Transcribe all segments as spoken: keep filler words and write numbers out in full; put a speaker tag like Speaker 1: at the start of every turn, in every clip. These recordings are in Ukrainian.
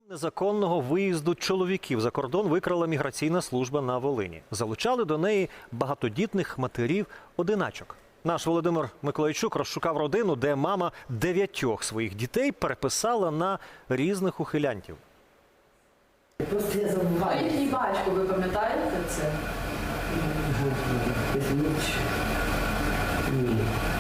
Speaker 1: Незаконного виїзду чоловіків за кордон викрала міграційна служба на Волині. Залучали до неї багатодітних матерів-одиначок. Наш Володимир Миколайчук розшукав родину, де мама дев'ятьох своїх дітей переписала на різних ухилянтів.
Speaker 2: Просто я забуваю.
Speaker 3: Їхній батько, ви пам'ятаєте це?
Speaker 2: Ні.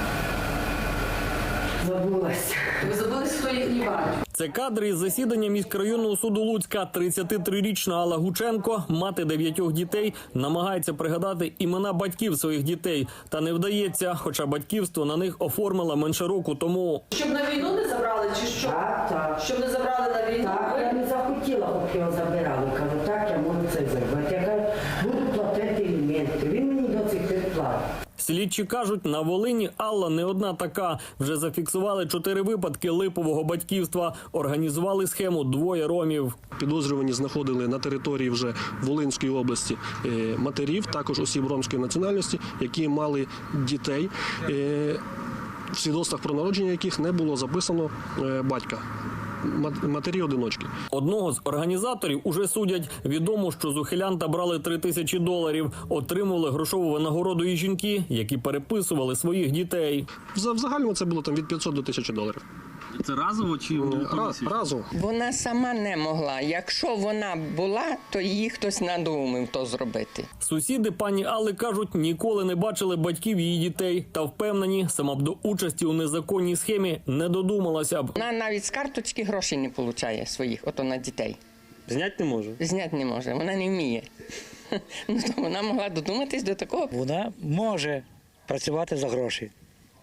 Speaker 2: Забулася.
Speaker 3: Ви забули, хто їхній батько?
Speaker 4: Це кадри із засідання міськрайонного суду Луцька. тридцятитрирічна Алла Гученко, мати дев'ятьох дітей, намагається пригадати імена батьків своїх дітей. Та не вдається, хоча батьківство на них оформила менше року тому.
Speaker 3: Щоб на війну не забрали чи що?
Speaker 2: Так, так.
Speaker 3: Щоб не забрали на війну?
Speaker 2: Так, я не захотіла, щоб його забирали. Кажу, так, я можу це зробити. Я кажу, буду платити аліменти. Він мені до цих пір платить.
Speaker 4: Слідчі кажуть, на Волині Алла не одна така. Вже зафіксували чотири випадки липового батьківства. Організували схему двоє ромів.
Speaker 5: Підозрювані знаходили на території вже Волинської області е, матерів, також осіб ромської національності, які мали дітей, е, в свідоцтвах про народження яких не було записано е, батька. Матері-одиночки.
Speaker 4: Одного з організаторів уже судять. Відомо, що з ухилянта брали три тисячі доларів. Отримували грошову винагороду і жінки, які переписували своїх дітей.
Speaker 5: В загальному це було там від п'ятсот до тисячі доларів.
Speaker 6: Це разово чи
Speaker 5: Раз, разово.
Speaker 7: Вона сама не могла. Якщо вона була, то її хтось надумав то зробити.
Speaker 4: Сусіди пані Алли кажуть, ніколи не бачили батьків її дітей. Та впевнені, сама б до участі у незаконній схемі не додумалася б.
Speaker 7: Вона навіть з карточки грошей не отримує своїх, ото на дітей.
Speaker 6: Зняти не може?
Speaker 7: Зняти не може, вона не вміє. Ну, то вона могла додуматись до такого.
Speaker 8: Вона може працювати за гроші.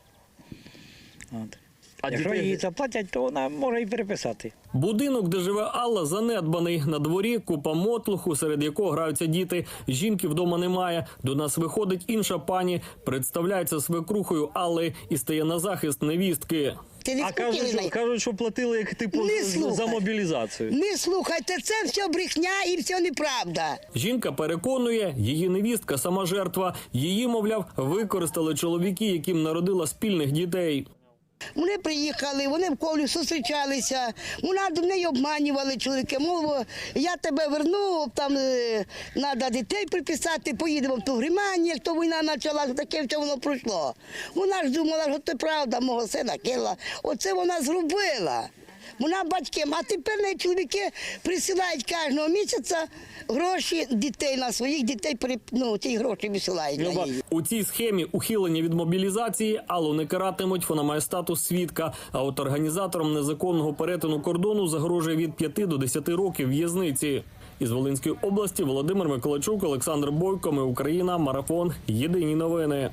Speaker 8: От.
Speaker 4: А
Speaker 8: Якщо
Speaker 4: дітей-
Speaker 8: їй заплатять, то вона може і переписати.
Speaker 4: Будинок, де живе Алла, занедбаний. На дворі купа мотлуху, серед якого граються діти. Жінки вдома немає. До нас виходить інша пані, представляється свекрухою Алли і стає на захист невістки.
Speaker 9: Ти не
Speaker 6: А кажуть, що, кажуть, що платили як типу
Speaker 9: Не
Speaker 6: за
Speaker 9: слухай.
Speaker 6: мобілізацію.
Speaker 9: Не слухайте, це все брехня і все неправда.
Speaker 4: Жінка переконує, її невістка сама жертва. Її, мовляв, використали чоловіки, яким народила спільних дітей.
Speaker 9: Вони приїхали, вони в колі зустрічалися, вона до неї обманювали чоловіки, мов, я тебе верну, там треба дітей приписати, поїдемо в ту Гриманію, як то війна почалася, таке все воно пройшло. Вона ж думала, що це правда, мого сина кила. Оце вона зробила. Вона батькам, а тепер неї чоловіки присилають кожного місяця гроші дітей на своїх дітей, ну, ті гроші висилають на її.
Speaker 4: У цій схемі ухилення від мобілізації Аллу не каратимуть, вона має статус свідка. А от організаторам незаконного перетину кордону загрожує від п'яти до десяти років в'язниці. Із Волинської області Володимир Миколайчук, Олександр Бойко, Ми Україна, Марафон, Єдині новини.